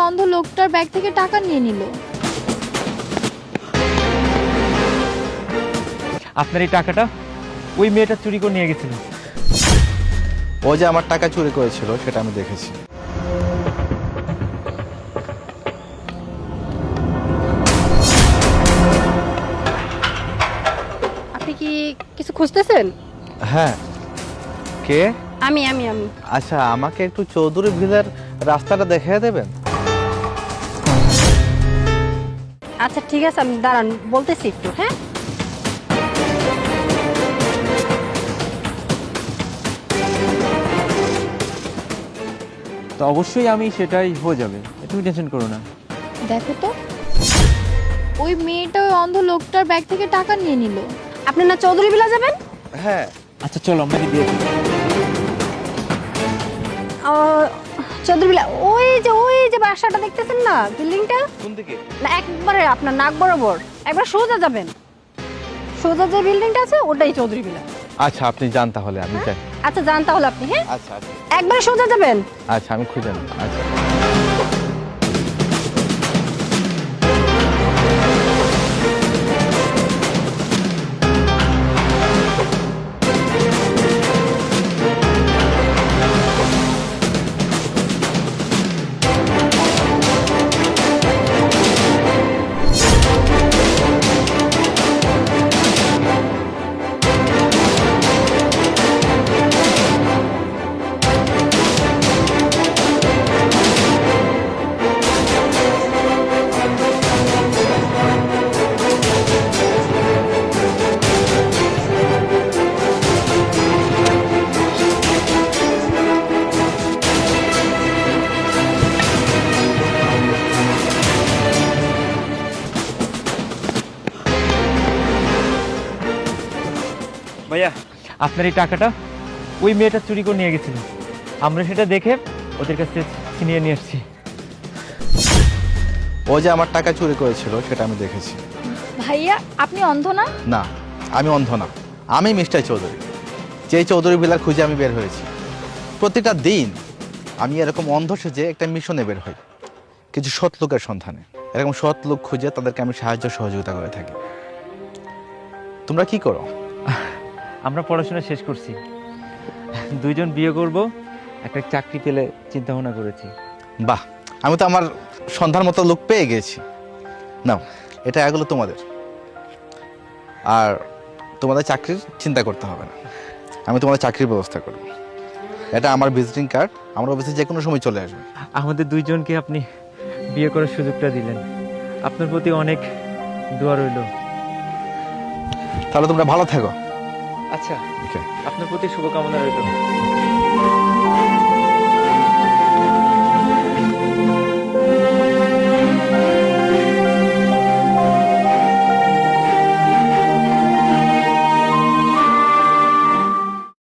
অন্ধ লোকটার ব্যাগ থেকে টাকা নিয়ে নিল। আপনার এই টাকাটা ওই মেয়েটা চুরি করে নিয়ে গেছিল। ও যে আমার টাকা চুরি করেছিল সেটা আমি দেখেছি। আপনি কি কিছু খুঁজতেছেন? হ্যাঁ। কে? আমি আচ্ছা, আমাকে একটু চৌধুরী ভিলার রাস্তাটা দেখিয়ে দেবেন? আচ্ছা ঠিক আছে, আমি দাঁড়ান বলতেছি একটু। হ্যাঁ, তো অবশ্যই আমি সেটাই হয়ে যাবে, তুমি টেনশন করো না। দেখো তো, ওই মেয়েটা ওই অন্ধ লোকটার ব্যাগ থেকে টাকা নিয়ে নিল। আপনি না চৌধুরী বিলা যাবেন? হ্যাঁ। আচ্ছা চলো আমরা কি দিয়ে দিই। চৌধুরী বিলা ওই যে বাসাটা দেখতেছেন না, বিল্ডিংটা? কোন দিকে? না, একবারে আপনার নাক বরাবর একবার সোজা যাবেন। সোজা যে বিল্ডিংটা আছে ওটাই চৌধুরী বিলা। আচ্ছা, আপনি যান তাহলে, আমি যাই। আচ্ছা যান তাহলে আপনি। হ্যাঁ, আচ্ছা আচ্ছা একবারে সোজা যাবেন। আচ্ছা, আমি খুঁজে নেব। আচ্ছা। ভাইয়া, আপনার এই টাকাটা ওই মেয়েটা চুরি করে নিয়ে গেছিল। আমরা সেটা দেখে ওদের কাছে ছিনিয়ে নিয়ে আসছি। ও যে আমার টাকা চুরি করেছিল সেটা আমি দেখেছি। ভাইয়া, আপনি অন্ধ না? না, আমি অন্ধ না। আমি মিস্টার চৌধুরী, যেই চৌধুরী ভিলার খুঁজে আমি বের হয়েছি। প্রতিটা দিন আমি এরকম অন্ধ সেজে একটা মিশনে বের হই, কিছু সৎ লোকের সন্ধানে। এরকম সৎ লোক খুঁজে তাদেরকে আমি সাহায্য সহযোগিতা করে থাকি। তোমরা কি করো? আমরা পড়াশোনা শেষ করছি, দুইজন বিয়ে করব, একটা চাকরি পেলে চিন্তা ভাবনা করেছি। বাহ, আমি তো আমার সন্ধান মতো লোক পেয়ে গেছি। নাও, এটা এগুলো তোমাদের। আর তোমাদের চাকরির চিন্তা করতে হবে না, আমি তোমাদের চাকরির ব্যবস্থা করব। এটা আমার ভিজিটিং কার্ড, আমার অফিসে যে কোনো সময় চলে আসবে। আমাদের দুইজনকে আপনি বিয়ে করার সুযোগটা দিলেন, আপনার প্রতি অনেক দোয়া রইল। তাহলে তোমরা ভালো থাকো। আচ্ছা, ওকে। আপনার প্রতি শুভকামনা রইল।